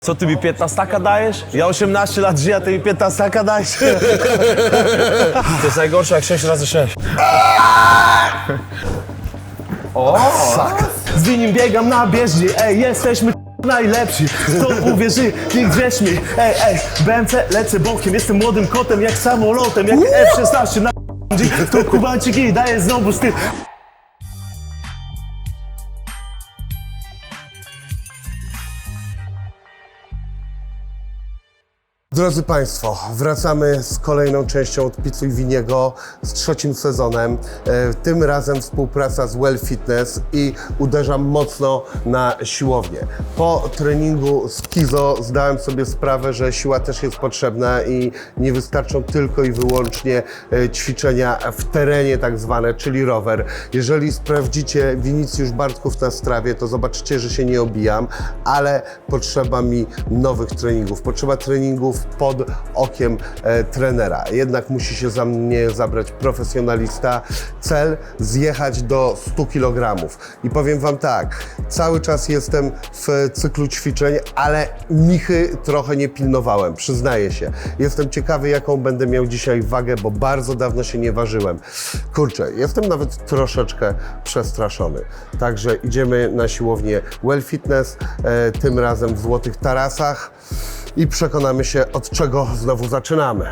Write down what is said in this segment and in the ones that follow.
Co ty mi 15 dajesz? Ja 18 lat żyję, a ty mi 15 dajesz? To jest najgorsze jak 6 razy 6. O! Z nim biegam na bieżni, ej, jesteśmy najlepsi. Kto uwierzy, nie grzesz mi. Ej, BMC lecę bokiem, jestem młodym kotem jak samolotem, jak F-16 na to Kubańczyk i daje znowu styl. Drodzy Państwo, wracamy z kolejną częścią od Pizzu i Winiego, z trzecim sezonem. Tym razem współpraca z Well Fitness i uderzam mocno na siłownię. Po treningu z Kizo zdałem sobie sprawę, że siła też jest potrzebna i nie wystarczą tylko i wyłącznie ćwiczenia w terenie tak zwane, czyli rower. Jeżeli sprawdzicie Winicjusz Bartków na Strawie, to zobaczycie, że się nie obijam, ale potrzeba mi nowych treningów. Potrzeba treningów pod okiem trenera. Jednak musi się za mnie zabrać profesjonalista. Cel zjechać do 100 kg. I powiem Wam tak, cały czas jestem w cyklu ćwiczeń, ale michy trochę nie pilnowałem, przyznaję się. Jestem ciekawy, jaką będę miał dzisiaj wagę, bo bardzo dawno się nie ważyłem. Kurczę, jestem nawet troszeczkę przestraszony. Także idziemy na siłownię Well Fitness, tym razem w Złotych Tarasach. I przekonamy się, od czego znowu zaczynamy.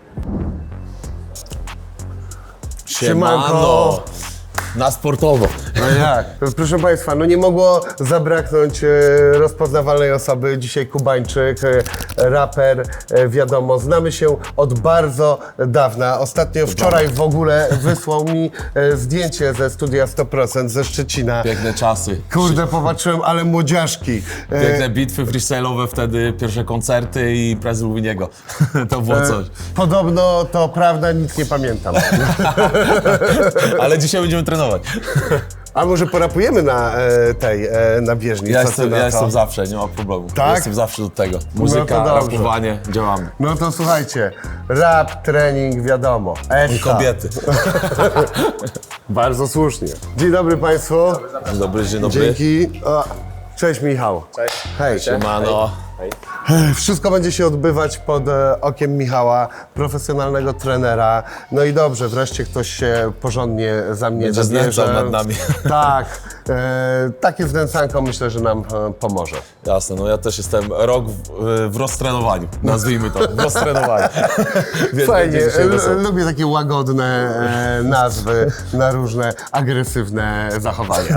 Siemano! Na sportowo. No jak? Proszę Państwa, no nie mogło zabraknąć rozpoznawalnej osoby. Dzisiaj Kubańczyk, raper, wiadomo, znamy się od bardzo dawna. Ostatnio wczoraj w ogóle wysłał mi zdjęcie ze studia 100% ze Szczecina. Piękne czasy. Kurde, popatrzyłem, ale młodziaszki. Piękne bitwy freestyle'owe wtedy, pierwsze koncerty i prezy Winiego. To było coś. Podobno to prawda, nic nie pamiętam. Ale dzisiaj będziemy trenować. A może porapujemy na na bieżni? Ja Co ty na to? jestem zawsze, nie ma problemu. Tak? Ja jestem zawsze do tego. Muzyka, No to dobrze. rapowanie, działamy. No to słuchajcie, rap, trening, wiadomo. I kobiety. Bardzo słusznie. Dzień dobry Państwu. Dzień dobry, dzień dobry. Dzięki. O, cześć Michał. Cześć. Hej. Siemano. Wszystko będzie się odbywać pod okiem Michała, profesjonalnego trenera. No i dobrze, wreszcie ktoś się porządnie za mnie Będzie zabierze. znęcał nad nami. Tak. Takie znęcanko myślę, że nam pomoże. Jasne, no ja też jestem rok w roztrenowaniu, nazwijmy to, w roztrenowaniu. Więc Fajnie, będzie dzisiaj wesoło. lubię takie łagodne nazwy na różne agresywne zachowania.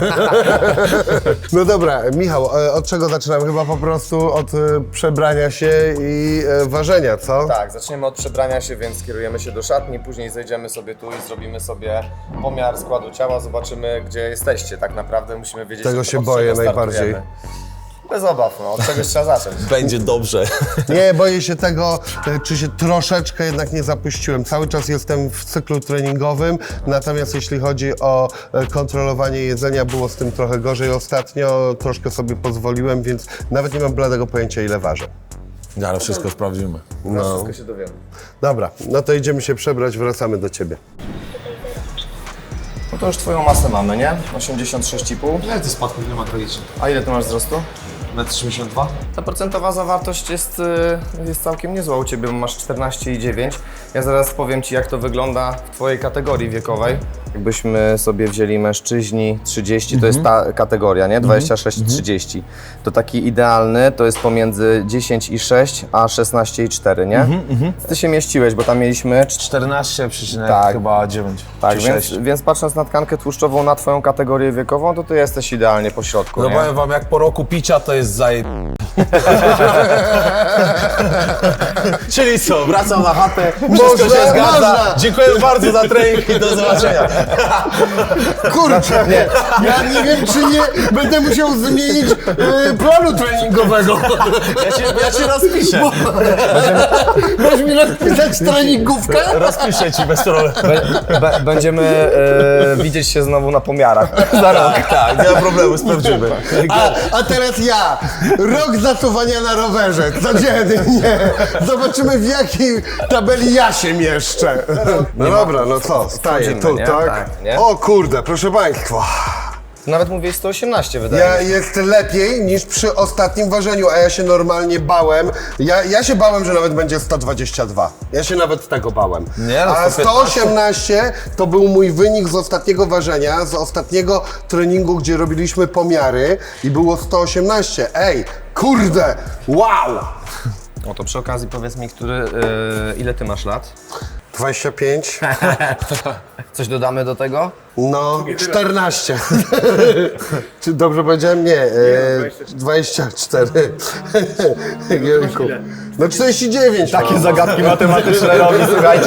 No dobra, Michał, od czego zaczynamy? Chyba po prostu od przebrania się i ważenia, co? Tak, zaczniemy od przebrania się, więc kierujemy się do szatni, później zejdziemy sobie tu i zrobimy sobie pomiar składu ciała, zobaczymy, gdzie jesteście. Tak naprawdę musimy wiedzieć, Tego od się czego boję startujemy. najbardziej. Bez obaw, no, od czegoś trzeba zacząć. Będzie dobrze. Nie, boję się tego, czy się troszeczkę jednak nie zapuściłem. Cały czas jestem w cyklu treningowym, natomiast jeśli chodzi o kontrolowanie jedzenia, było z tym trochę gorzej ostatnio, troszkę sobie pozwoliłem, więc nawet nie mam bladego pojęcia, ile ważę. Ale wszystko sprawdzimy. No. Wszystko się dowiemy. Dobra, no to idziemy się przebrać, wracamy do Ciebie. No to już twoją masę mamy, nie? 86,5. Ile ty spadków nie ma tragicznie? A ile ty masz wzrostu? 1,82 m? Ta procentowa zawartość jest całkiem niezła u Ciebie, bo masz 14,9. Ja zaraz powiem Ci, jak to wygląda w Twojej kategorii wiekowej. Jakbyśmy sobie wzięli mężczyźni 30, to jest ta kategoria, nie? 26-30. To taki idealny to jest pomiędzy 10,6 a 16,4, nie? Ty się mieściłeś, bo tam mieliśmy 14, Tak. chyba 9. tak, czy więc, 6. więc patrząc na tkankę tłuszczową na Twoją kategorię wiekową, to Ty jesteś idealnie po środku, No nie? powiem wam, jak po roku picia to jest Czyli co, wracam na chatę, wszystko się zgadza. można. Dziękuję bardzo za trening i do zobaczenia. Kurczę, ja nie wiem, czy nie będę musiał zmienić planu treningowego. Ja cię rozpiszę. Możesz mi napisać treningówkę? Rozpiszę ci bez problemu. Będziemy widzieć się znowu na pomiarach. Za rok. Tak, nie ma problemu, sprawdzimy. A teraz ja, rok zasuwania na rowerze, codziennie. Zobaczymy, w jakiej tabeli ja się mieszczę. No dobra, no co, staję Wchodzimy, tu, nie? tak? Tak, nie? O kurde, proszę Państwa. Nawet mówię 118 wydaje mi się. Jest lepiej niż przy ostatnim ważeniu, a ja się normalnie bałem. Ja się bałem, że nawet będzie 122. Ja się nawet tego bałem. Nie, no, A 115. 118 to był mój wynik z ostatniego ważenia, z ostatniego treningu, gdzie robiliśmy pomiary i było 118. Ej, kurde, wow! No to przy okazji powiedz mi, ile ty masz lat? 25, Coś dodamy do tego? no 14. Czy dobrze powiedziałem? Nie, 24. Jejku. No 49. Takie no. zagadki matematyczne robi, słuchajcie.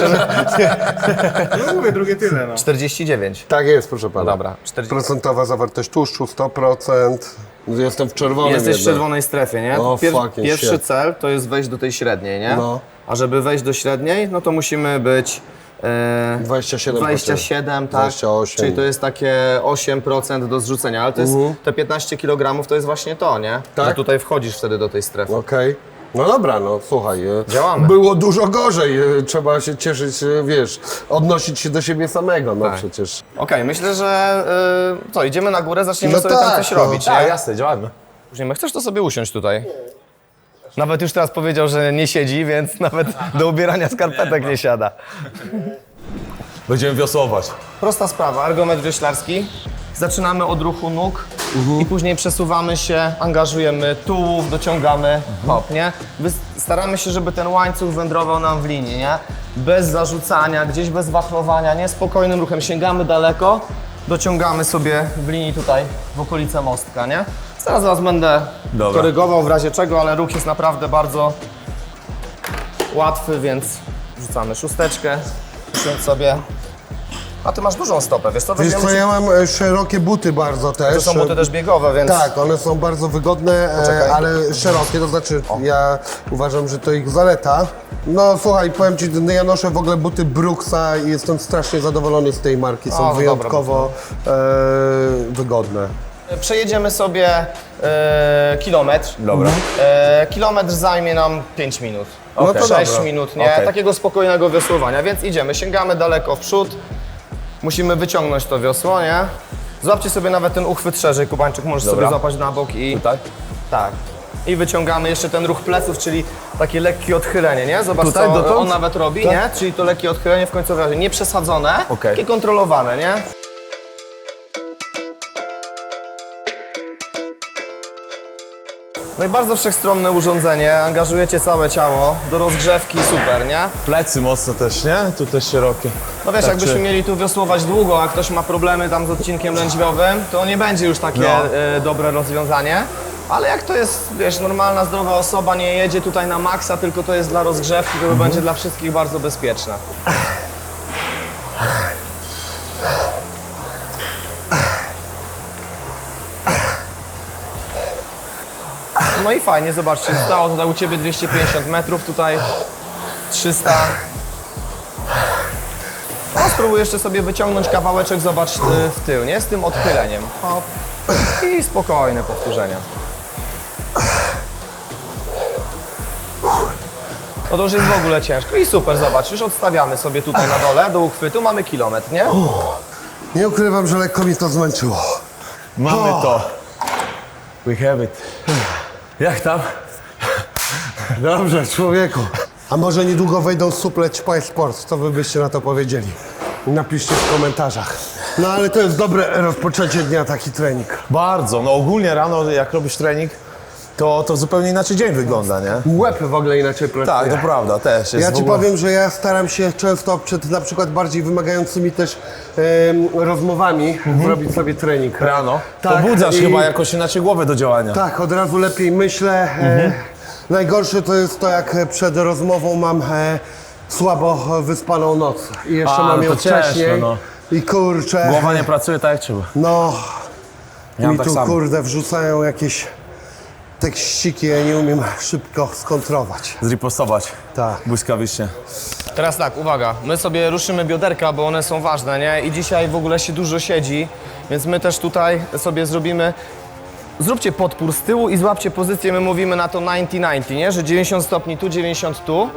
No mówię, drugie tyle, no. 49. Tak jest, proszę pana. Dobra, 40. Procentowa zawartość tłuszczu 100%. Jestem w czerwonym. Jesteś w jednak. czerwonej strefie, nie? O, fucking Pierwszy shit. cel to jest wejść do tej średniej, nie? No. A żeby wejść do średniej, no to musimy być 27%. 27, tak? 28. Czyli to jest takie 8% do zrzucenia, ale to jest te 15 kg to jest właśnie to, nie? Tak? Że tutaj wchodzisz wtedy do tej strefy. Okej. No dobra, no słuchaj. Działamy. Było dużo gorzej. Trzeba się cieszyć, wiesz, odnosić się do siebie samego, no Tak. przecież. Okej, myślę, że co, idziemy na górę, zaczniemy No sobie tam tak, coś no. robić, Tak, nie? jasne, działamy. Później, chcesz to sobie usiąść tutaj? Nawet już teraz powiedział, że nie siedzi, więc nawet do ubierania skarpetek nie siada. Będziemy wiosłować. Prosta sprawa, ergometr wioślarski. Zaczynamy od ruchu nóg i później przesuwamy się, angażujemy tułów, dociągamy, hop, nie? Staramy się, żeby ten łańcuch wędrował nam w linii, nie? Bez zarzucania, gdzieś bez wachlowania, nie? Spokojnym ruchem sięgamy daleko, dociągamy sobie w linii tutaj, w okolice mostka, nie? Zaraz was będę Dobra. korygował w razie czego, ale ruch jest naprawdę bardzo łatwy, więc rzucamy szósteczkę, usiądź sobie. A ty masz dużą stopę, wiesz co? Wiesz Weźmiemy co, ci- ja mam szerokie buty bardzo też. To są buty też biegowe, więc... Tak, one są bardzo wygodne, Poczekaj. ale szerokie, to znaczy ja uważam, że to ich zaleta. No słuchaj, powiem ci, ja noszę w ogóle buty Brooksa i jestem strasznie zadowolony z tej marki, są O, no wyjątkowo wygodne. Przejedziemy sobie kilometr. Dobra. Kilometr zajmie nam 5 minut. No to 6 dobra. minut, nie? Okej. Takiego spokojnego wiosłowania, więc idziemy, sięgamy daleko w przód. Musimy wyciągnąć to wiosło, nie? Złapcie sobie nawet ten uchwyt szerzej, Kubańczyk, możesz Dobra. sobie złapać na bok i... Tutaj? Tak. I wyciągamy jeszcze ten ruch pleców, czyli takie lekkie odchylenie, nie? Zobacz, Tutaj, co dotąd? on nawet robi, Tak. nie? Czyli to lekkie odchylenie w końcowym razie, nie przesadzone, Okej. takie kontrolowane, nie? No i bardzo wszechstronne urządzenie, angażujecie całe ciało, do rozgrzewki super, nie? Plecy mocno też, nie? Tu też szerokie. No wiesz, Tak, jakbyśmy czy- mieli tu wiosłować długo, a ktoś ma problemy tam z odcinkiem lędźwiowym, to nie będzie już takie No. dobre rozwiązanie. Ale jak to jest, wiesz, normalna, zdrowa osoba, nie jedzie tutaj na maksa, tylko to jest dla rozgrzewki, to będzie dla wszystkich bardzo bezpieczne. No i fajnie, zobaczcie, zostało tutaj u Ciebie 250 metrów, tutaj 300. No, spróbuj jeszcze sobie wyciągnąć kawałeczek, zobacz w tył, nie? Z tym odchyleniem. Hop. I spokojne powtórzenia. No to już jest w ogóle ciężko. I super, zobacz, już odstawiamy sobie tutaj na dole, do uchwytu, mamy kilometr, nie? Nie ukrywam, że lekko mi to zmęczyło. Mamy to. We have it. Jak tam? Dobrze, człowieku. A może niedługo wejdą suple Ćpaj Sport? Co wy byście na to powiedzieli? Napiszcie w komentarzach. No ale to jest dobre rozpoczęcie dnia, taki trening. Bardzo. No ogólnie rano, jak robisz trening, to zupełnie inaczej dzień wygląda, nie? Łeb w ogóle inaczej pracuje. Tak, to prawda, też jest Ja w ci ogóle... powiem, że ja staram się często przed na przykład bardziej wymagającymi też rozmowami zrobić sobie trening. Rano. Tak, Pobudzasz i- chyba jakoś inaczej głowę do działania. Tak, od razu lepiej myślę. Najgorsze to jest to, jak przed rozmową mam słabo wyspaną noc. I jeszcze A, mam no ją to ciężko, wcześniej. no. I kurczę, Głowa nie pracuje tak jak trzeba. no Ja mi tak tu samo. kurde wrzucają jakieś tekściki, ja nie umiem szybko skontrować. Zripostować. Tak. Błyskawicznie. Teraz tak, uwaga, my sobie ruszymy bioderka, bo one są ważne, nie? I dzisiaj w ogóle się dużo siedzi, więc my też tutaj sobie zrobimy... Zróbcie podpór z tyłu i złapcie pozycję, my mówimy na to 90-90, nie? Że 90 stopni tu, 90 tu.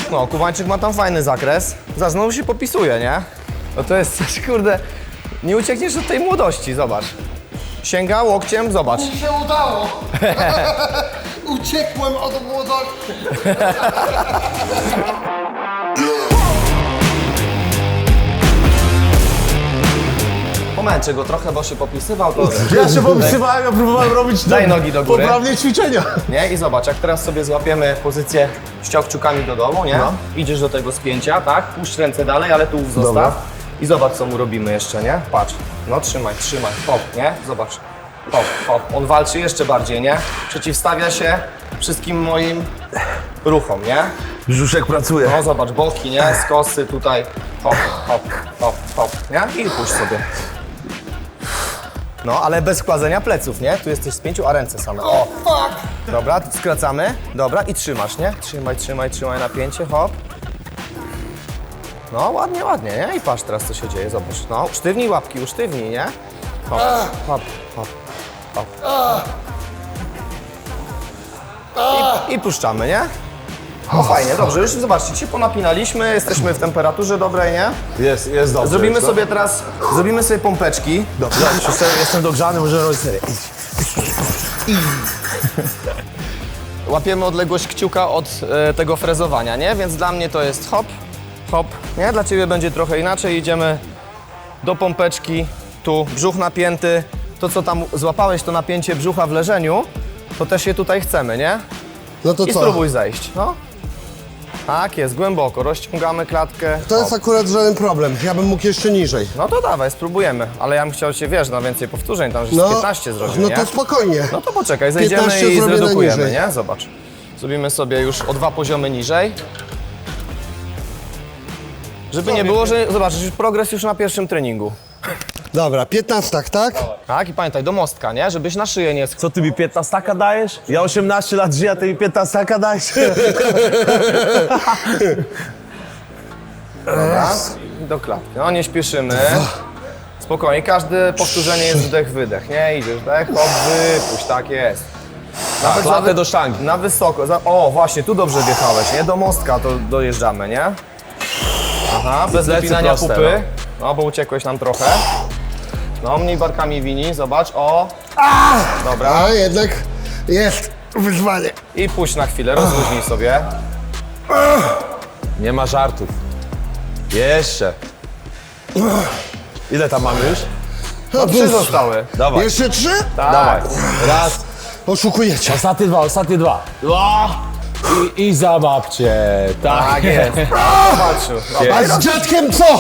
No, Kubańczyk ma tam fajny zakres. Znowu się popisuje, nie? No to jest coś, kurde, nie uciekniesz od tej młodości, zobacz. Sięga łokciem, zobacz. Mi się udało! Uciekłem od młodości! Pomęczę go trochę, bo się popisywał, to Ja się popisywałem, ja próbowałem robić Daj nogi do góry. poprawnie ćwiczenia. nie? I zobacz, jak teraz sobie złapiemy pozycję ściągciukami do dołu, nie? No. Idziesz do tego spięcia, tak? Puść ręce dalej, ale tu zostaw. Dobra. I zobacz, co mu robimy jeszcze, nie? Patrz. No trzymaj, hop, nie? Zobacz. Hop, hop. On walczy jeszcze bardziej, nie? Przeciwstawia się wszystkim moim ruchom, nie? Brzuszek pracuje. No zobacz, boki, nie? Skosy tutaj. Hop, hop, hop, hop, nie? I puść sobie. No, ale bez kładzenia pleców, nie? Tu jesteś w spięciu, a ręce same. O, dobra, skracamy. Dobra, i trzymasz, nie? Trzymaj napięcie, hop. No, ładnie, ładnie, nie? I patrz teraz, co się dzieje, zobacz. No, usztywnij łapki, usztywnij, nie? Hop, hop, hop, hop. I puszczamy, nie? No fajnie, dobrze, już zobaczcie, się ponapinaliśmy, jesteśmy w temperaturze dobrej, nie? Jest dobrze. Zrobimy no. sobie teraz, zrobimy sobie pompeczki. Dobrze, jestem dogrzany, możemy robić serię. Łapiemy odległość kciuka od tego frezowania, nie? Więc dla mnie to jest hop, hop, nie? Dla Ciebie będzie trochę inaczej. Idziemy do pompeczki, tu brzuch napięty. To, co tam złapałeś, to napięcie brzucha w leżeniu, to też je tutaj chcemy, nie? No to I co? spróbuj zejść, no. Tak jest, głęboko, rozciągamy klatkę. To jest hop. akurat żaden problem. Ja bym mógł jeszcze niżej. No to dawaj, spróbujemy. Ale ja bym chciał Cię, wiesz, na więcej powtórzeń, tam żeś 15 zrobił, no nie? to spokojnie. No to poczekaj, zejdziemy 15 i zrobię zredukujemy, najniżej. nie? Zobacz. Zrobimy sobie już o 2 poziomy niżej. Żeby nie było, że zobaczysz, progres już na pierwszym treningu. Dobra, 15, tak? Tak? I pamiętaj, do mostka, nie? Żebyś na szyję nie Co ty mi 15 dajesz? Ja 18 lat żyję, a ty mi 15 dajesz? raz i do klatki. No nie śpieszymy. Spokojnie, każde powtórzenie jest wdech, wydech, nie? Idziesz, wdech, hop, wypuść, tak jest. Nawet klatę do sztangi. Na wysoko. O, właśnie, tu dobrze wjechałeś, nie? Do mostka to dojeżdżamy, nie? Aha, bez Plecy wypinania proste, pupy. No, bo uciekłeś nam trochę. No, mniej barkami wini, zobacz, o. Dobra. A jednak jest wyzwanie. I puść na chwilę, rozluźnij sobie. Nie ma żartów. Jeszcze. Ile tam mamy już? No, 3 zostały. Dawaj. Jeszcze 3? Dawaj. Raz. Oszukujecie. Ostatnie dwa. I zabawcie. Tak jest. Zobaczył. A z dziadkiem co?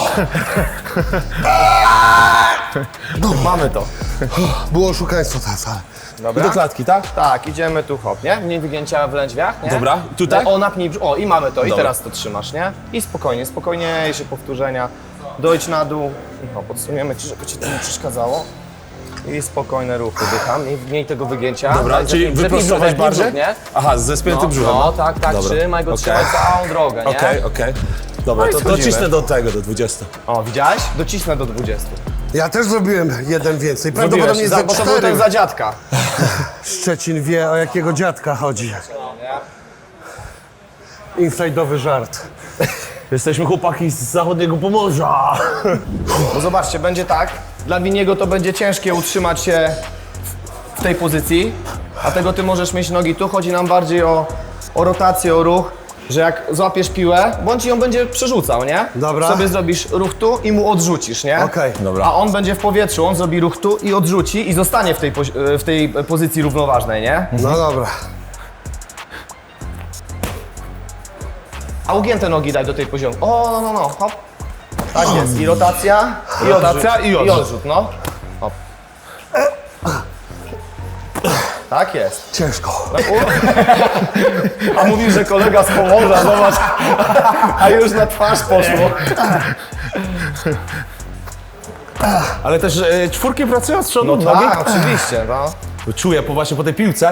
Mamy to. Było oszukaństwo teraz, ale... Dobra. Do klatki, tak? Tak, idziemy tu hop, nie? Mniej wygięcia w lędźwiach, nie? Dobra, tutaj? O, napnij brzuch. O, i mamy to. I Dobra. teraz to trzymasz, nie? I spokojnie, spokojniejsze powtórzenia. Dojdź na dół. I hop, odsuniemy ci, żeby ci to nie przeszkadzało. I spokojne ruchy, dycham. I mniej tego wygięcia. Dobra, Daj, czyli zepnij brzuch, wyprostować zepnij bardziej? brzuch, nie? Aha, ze spiętym brzuchem. No, tak, tak, Dobra. trzymaj go, Okej. trzymaj całą drogę, nie? Okej. Dobra, No i to schodzimy. docisnę do tego, do 20. O, widziałeś? Docisnę do 20. Ja też zrobiłem jeden więcej. Prawdopodobnie ze Bo to był ten 4. za dziadka. Szczecin wie, o jakiego dziadka chodzi. Inside'owy żart. Jesteśmy chłopaki z zachodniego Pomorza. Bo zobaczcie, będzie tak. Dla Winiego to będzie ciężkie utrzymać się w tej pozycji, dlatego ty możesz mieć nogi tu. Chodzi nam bardziej o rotację, o ruch, że jak złapiesz piłę, bądź ją będzie przerzucał, nie? Dobra. Sobie zrobisz ruch tu i mu odrzucisz, nie? Okej. Dobra. A on będzie w powietrzu, on zrobi ruch tu i odrzuci i zostanie w tej pozycji równoważnej, nie? No dobra. A ugięte nogi daj do tej poziomu. O, no, hop. Tak jest. I rotacja, i Rotacja, odrzut. i odrzut. I odrzut, no. Hop. Tak jest. Ciężko. A mówił, że kolega z Pomorza, zobacz. A już na twarz poszło. Ale też czwórki pracują z przodu, No nogi? tak, oczywiście, no. Czuję właśnie po tej piłce.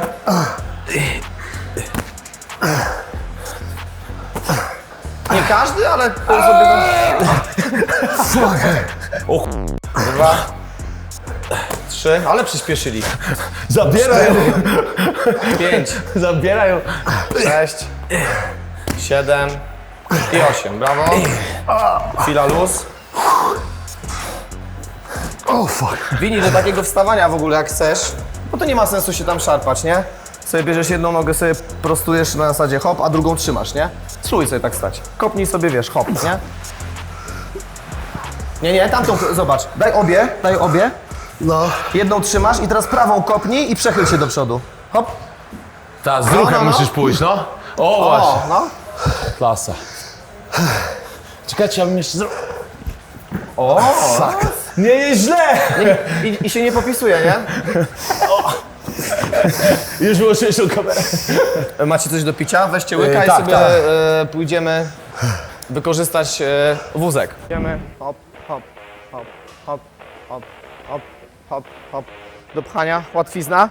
Nie każdy, ale to sobie tam... O 2, 3, ale przyspieszyli. zabierają. 5, Zabierają. 6, 7, I 8, brawo. Chwila luz. O fuck. Wini do takiego wstawania w ogóle jak chcesz, bo to nie ma sensu się tam szarpać, nie? Sobie bierzesz jedną nogę, sobie prostujesz na zasadzie hop, a drugą trzymasz, nie? Spróbuj sobie tak stać. Kopnij sobie, wiesz, hop, nie? Nie, tamtą, zobacz. Daj obie. No. Jedną trzymasz i teraz prawą kopnij i przechyl się do przodu. Hop. Ta, z ruchem no. musisz pójść, no. O, właśnie. O, no. Klasa. Czekajcie, ja bym jeszcze zrobił. O, Nie jest źle! I się nie popisuje, nie? Już wyłączyłeś tą kamerę. Macie coś do picia? Weźcie łyka i tak, sobie tak. pójdziemy wykorzystać wózek. Idziemy, hop, hop, hop, hop, hop, hop, hop, hop. Do pchania, łatwizna.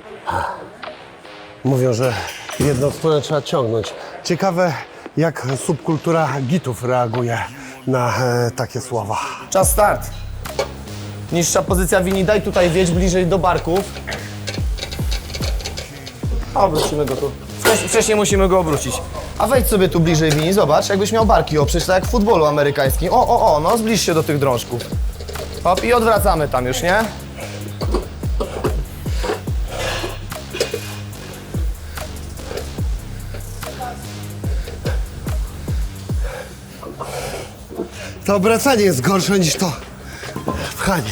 Mówią, że jedną stronę trzeba ciągnąć. Ciekawe, jak subkultura gitów reaguje na takie słowa. Czas start. Niższa pozycja Wini, daj tutaj wiedź bliżej do barków. Obrócimy go tu. Wcześniej musimy go obrócić. A wejdź sobie tu bliżej Wini, zobacz, jakbyś miał barki oprzeć, tak jak w futbolu amerykańskim. No zbliż się do tych drążków. Hop i odwracamy tam już, nie? To obracanie jest gorsze niż to pchanie.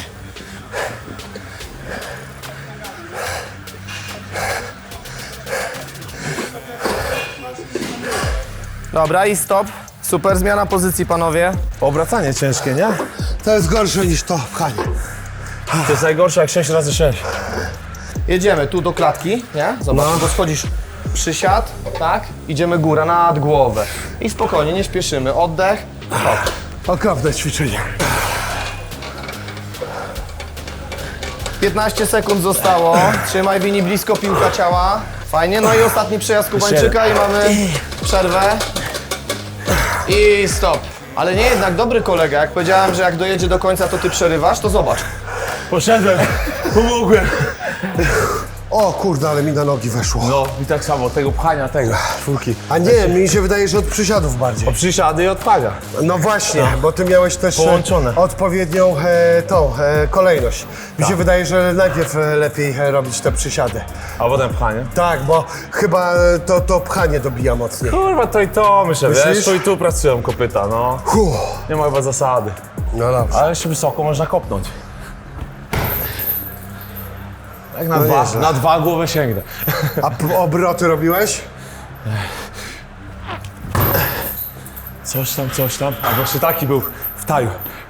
Dobra i stop. Super zmiana pozycji, panowie. Obracanie ciężkie, nie? To jest gorsze niż to pchanie. To jest najgorsze jak 6 razy 6. Jedziemy tu do klatki, nie? Zobacz, bo schodzisz przysiad, tak? Idziemy góra nad głowę. I spokojnie, nie śpieszymy. Oddech. Hop. Okropne ćwiczenie. 15 sekund zostało. Trzymaj Wini blisko piłka ciała. Fajnie. No i ostatni przejazd Kubańczyka i mamy przerwę. I stop. Ale nie jednak dobry kolega. Jak powiedziałem, że jak dojedzie do końca, to ty przerywasz, to zobacz. Poszedłem, pomogłem. O kurde, ale mi na nogi weszło. No i tak samo, tego pchania, tego, czwórki. A nie, mi się wydaje, że od przysiadów bardziej. Przysiady i odpchania. No właśnie, bo ty miałeś też Połączone. odpowiednią kolejność. Mi się wydaje, że najpierw lepiej robić te przysiady. A potem pchanie. Tak, bo chyba to pchanie dobija mocniej. Kurwa, to i to myślę, Myślisz? wiesz, tu i tu pracują kopyta, no. Nie ma chyba zasady. No dobrze. Ale jeszcze wysoko można kopnąć. Jak na, No dwa, nieźle. na 2 głowę sięgnę. A obroty robiłeś? Coś tam. A właśnie taki był w taju.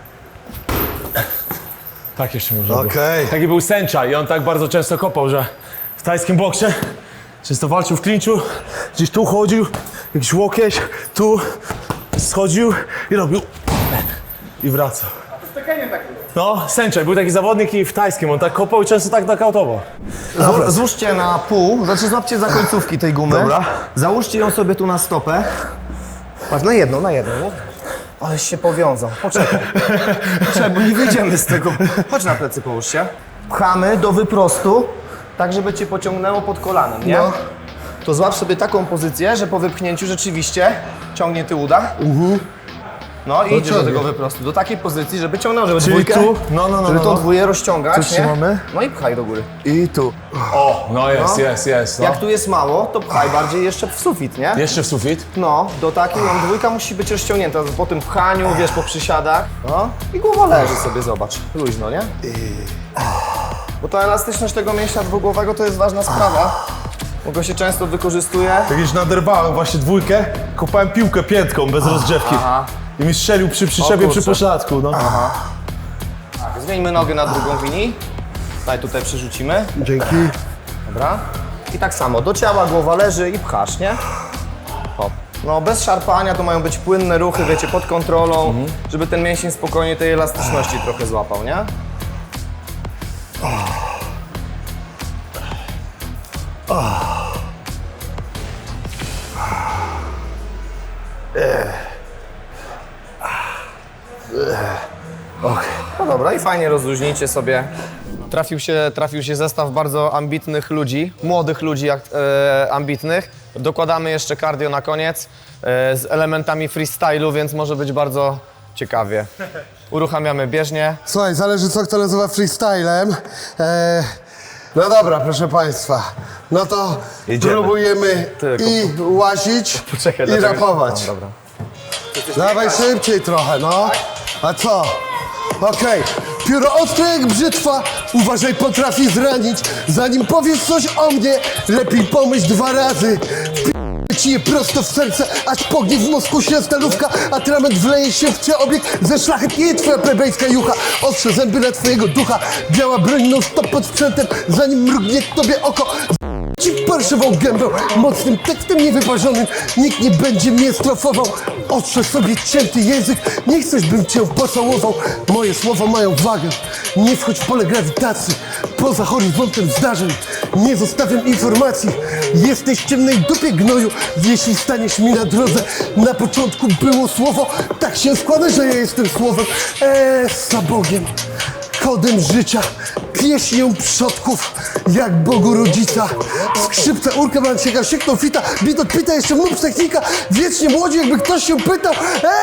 Tak jeszcze można było. Okej. Taki był sędzia i on tak bardzo często kopał, że w tajskim boksie często walczył w klinczu, gdzieś tu chodził, jakiś łokieć, tu schodził i robił i wracał. No, sędzia, był taki zawodnik i w tajskim, on tak kopał i często tak nakautował. Złóżcie na pół, znaczy złapcie za końcówki tej gumy. Dobra. Załóżcie ją sobie tu na stopę. Patrz, na jedną, nie? Aleś się powiązał. Poczekaj. Poczekaj, bo nie wyjdziemy z tego. Chodź na plecy, połóż się. Pchamy do wyprostu, tak żeby cię pociągnęło pod kolanem, nie? No. To złap sobie taką pozycję, że po wypchnięciu rzeczywiście ciągnie ty uda. No i idziesz do ciągnie. tego wyprostu. Do takiej pozycji, żeby ciągnął, żeby Czyli dwójkę, tu? No, żeby tą no. dwójkę rozciągać, Tu nie? trzymamy? No i pchaj do góry. I tu. O, no jest. No. Jak tu jest mało, to pchaj bardziej jeszcze w sufit, nie? Jeszcze w sufit. No, do takiej dwójka musi być rozciągnięta. Po tym pchaniu, wiesz, po przysiadach. No i głowa leży sobie, zobacz. Luźno, nie? Bo ta elastyczność tego mięśnia dwugłowego to jest ważna sprawa. Bo go się często wykorzystuje. Jak już naderwałem właśnie dwójkę, kopałem piłkę piętką bez rozgrzewki. Aha. I mi strzelił przy przyczepie, kurczę. przy pośladku, no. Zmieńmy nogę na drugą Wini. Tutaj przerzucimy. Dzięki. Dobra. I tak samo, do ciała głowa leży i pchasz, nie? Hop. No bez szarpania, to mają być płynne ruchy, wiecie, pod kontrolą, żeby ten mięsień spokojnie tej elastyczności trochę złapał, nie? No dobra, i fajnie rozluźnijcie sobie. Trafił się zestaw bardzo ambitnych ludzi, młodych ludzi ambitnych. Dokładamy jeszcze cardio na koniec z elementami freestylu, więc może być bardzo ciekawie. Uruchamiamy bieżnię. Słuchaj, zależy co kto nazywa freestylem. No dobra, proszę Państwa. No to Jedziemy. próbujemy Tylko i łazić, Poczekaj, i dlaczego- rapować. No, dobra. Dawaj szybciej trochę, no. A co? Okej. Pióro ostre jak brzytwa, uważaj, potrafi zranić. Zanim powiesz coś o mnie, lepiej pomyśl 2 razy. Wpi***ę ci je prosto w serce, aż pognie w mózgu się stalówka, atrament wleje się w przeobieg, ze szlachetnieje twoja plebejska jucha. Ostrze zęby na twojego ducha, biała broń non stop pod sprzętem, zanim mrugnie tobie oko. Ci parszywą gębę, mocnym tekstem niewyparzonym, nikt nie będzie mnie strofował. Ostrze sobie cięty język, nie chcesz, bym cię pocałował. Moje słowa mają wagę, nie wchodź w pole grawitacji. Poza horyzontem zdarzeń, nie zostawiam informacji. Jesteś w ciemnej dupie gnoju, jeśli staniesz mi na drodze. Na początku było słowo, tak się składa, że ja jestem słowem. Za Bogiem. Kodem życia, pieśnią przodków, jak Bogu rodzica. Skrzypce, urka, mansieka, siekną fita, bit od pita, jeszcze mów technika. Wiecznie młodzi, jakby ktoś się pytał.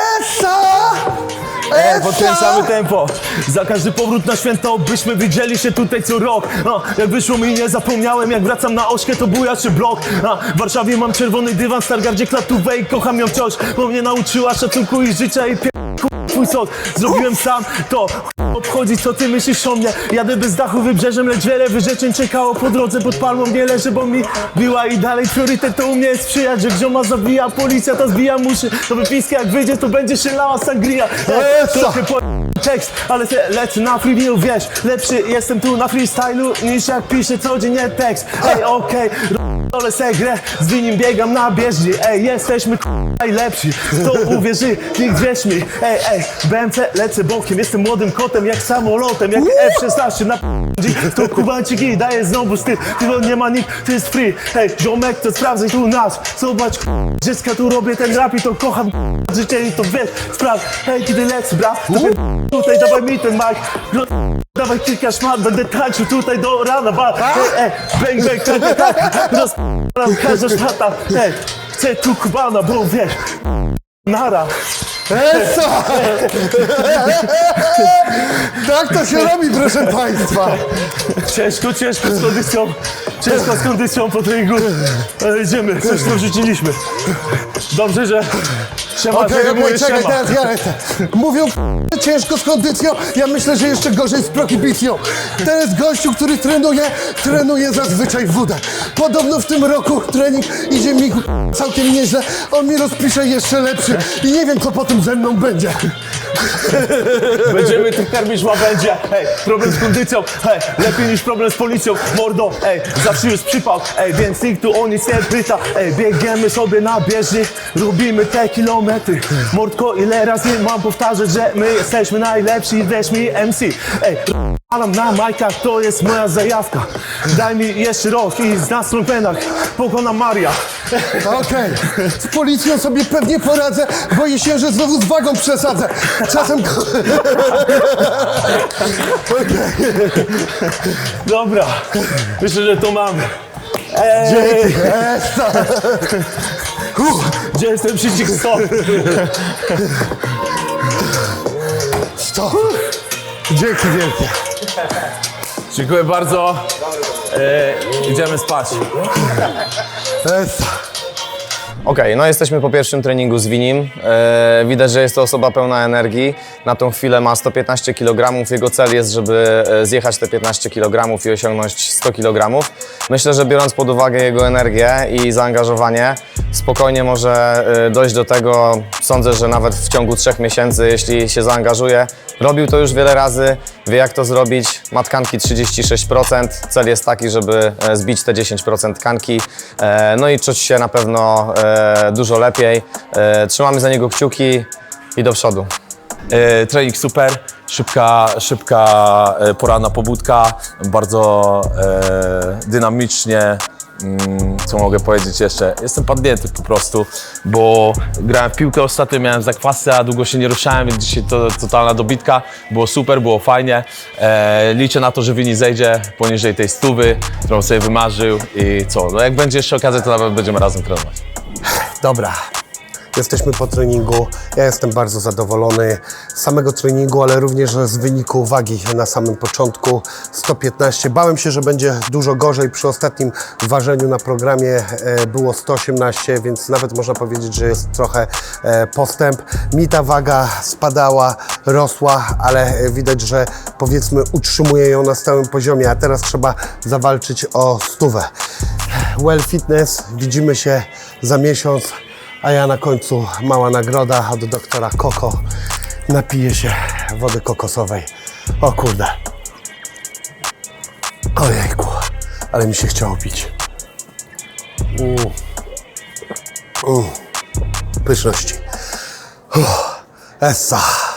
Podkręcamy tempo. Za każdy powrót na święto, byśmy widzieli się tutaj co rok. Jak wyszło mi, nie zapomniałem, jak wracam na ośkę, to bujaczy blok. W Warszawie mam czerwony dywan, w Stargardzie klatówę i kocham ją wciąż, bo mnie nauczyła szacunku i życia i twój sos. Zrobiłem sam to, obchodzi co ty myślisz o mnie. Jadę bez dachu wybrzeżem, lecz wiele wyrzeczeń czekało po drodze. Pod palmą nie leży, bo mi biła i dalej priorytet to u mnie jest sprzyjać. Że gzioma zabija, policja to zbija muszy. To wypiska jak wyjdzie, to będzie się lała sangria. Trochę po tekst, ale lecę na freewill, wiesz. Lepszy jestem tu na freestylu niż jak piszę codziennie tekst. Ej, okej, ale se grę, z winim biegam na bieżni. Ej, jesteśmy najlepsi, to uwierzy, nikt wierz mi. Ej, BMC lecę bokiem, jestem młodym kotem jak samolotem, jak F-16 na to kubanciki daje znowu styl, ty nie ma nikt, to jest free. Ej, ziomek, to sprawdzaj tu nas, zobacz dziecka, tu robię ten rap i to kocham życie i to wiesz, sprawdź. Hej, kiedy lecę, brat, tutaj dawaj mi ten mic, dawaj kilka szmat, będę tańczył tutaj do rana, ej, bang, bang, tak, rozpalam każda szmata, ej, chcę tu kubana, bo wiesz, nara. Tak to się robi, proszę Państwa. Ciężko z kondycją po treningu, ale idziemy, coś tu wrzuciliśmy. Dobrze, że siema, Okej, czekaj, siema. teraz ja lecę. Mówią, ciężko z kondycją, ja myślę, że jeszcze gorzej z prohibicją. Ten jest gościu, który trenuje zazwyczaj wódę. Podobno w tym roku trening idzie mi całkiem nieźle, on mi rozpisze jeszcze lepszy i nie wiem, co potem ze mną będzie. Będziemy tu karmić łabędzie, ej, problem z kondycją, ej, lepiej niż problem z policją, mordo, ej, zawsze już przypał, ej, więc nikt tu o nic nie pyta, ej, biegniemy sobie na bieżni, robimy te kilometry, mordko, ile razy mam powtarzać, że my jesteśmy najlepsi, wierz mi MC, ej, alam na majkach, to jest moja zajawka, daj mi jeszcze rok i z nas trąpenach pokonam Maria. Okej, z policją sobie pewnie poradzę, boję się, że znowu z wagą przesadzę. Czasem... Dobra, myślę, że to mamy. Dzięki. Gdzie jest ten przycisk stop? Stop. Dzięki wielkie. Dziękuję bardzo. Idziemy spać. Okej, no jesteśmy po pierwszym treningu z Winim. Widać, że jest to osoba pełna energii. Na tą chwilę ma 115 kg. Jego cel jest, żeby zjechać te 15 kg i osiągnąć 100 kg. Myślę, że biorąc pod uwagę jego energię i zaangażowanie, spokojnie może dojść do tego. Sądzę, że nawet w ciągu 3 miesięcy, jeśli się zaangażuje. Robił to już wiele razy, wie jak to zrobić. Ma tkanki 36%. Cel jest taki, żeby zbić te 10% tkanki. No i czuć się na pewno dużo lepiej. Trzymamy za niego kciuki i do przodu. Trening super, szybka poranna pobudka, bardzo dynamicznie, Co mogę powiedzieć jeszcze? Jestem padnięty po prostu, bo grałem w piłkę ostatnio, miałem zakwasy, a długo się nie ruszałem, więc dzisiaj to totalna dobitka. Było super, było fajnie. Liczę na to, że Vini zejdzie poniżej tej 100, którą sobie wymarzył i co? No jak będzie jeszcze okazja, to nawet będziemy razem trenować. Dobra, jesteśmy po treningu. Ja jestem bardzo zadowolony z samego treningu, ale również z wyniku wagi na samym początku. 115. Bałem się, że będzie dużo gorzej. Przy ostatnim ważeniu na programie było 118, więc nawet można powiedzieć, że jest trochę postęp. Mi ta waga spadała, rosła, ale widać, że powiedzmy utrzymuje ją na stałym poziomie, a teraz trzeba zawalczyć o 100. Well Fitness, widzimy się za miesiąc. A ja na końcu mała nagroda od doktora Koko. Napiję się wody kokosowej. O kurde. Ojejku, ale mi się chciało pić. Pyszności. Essa.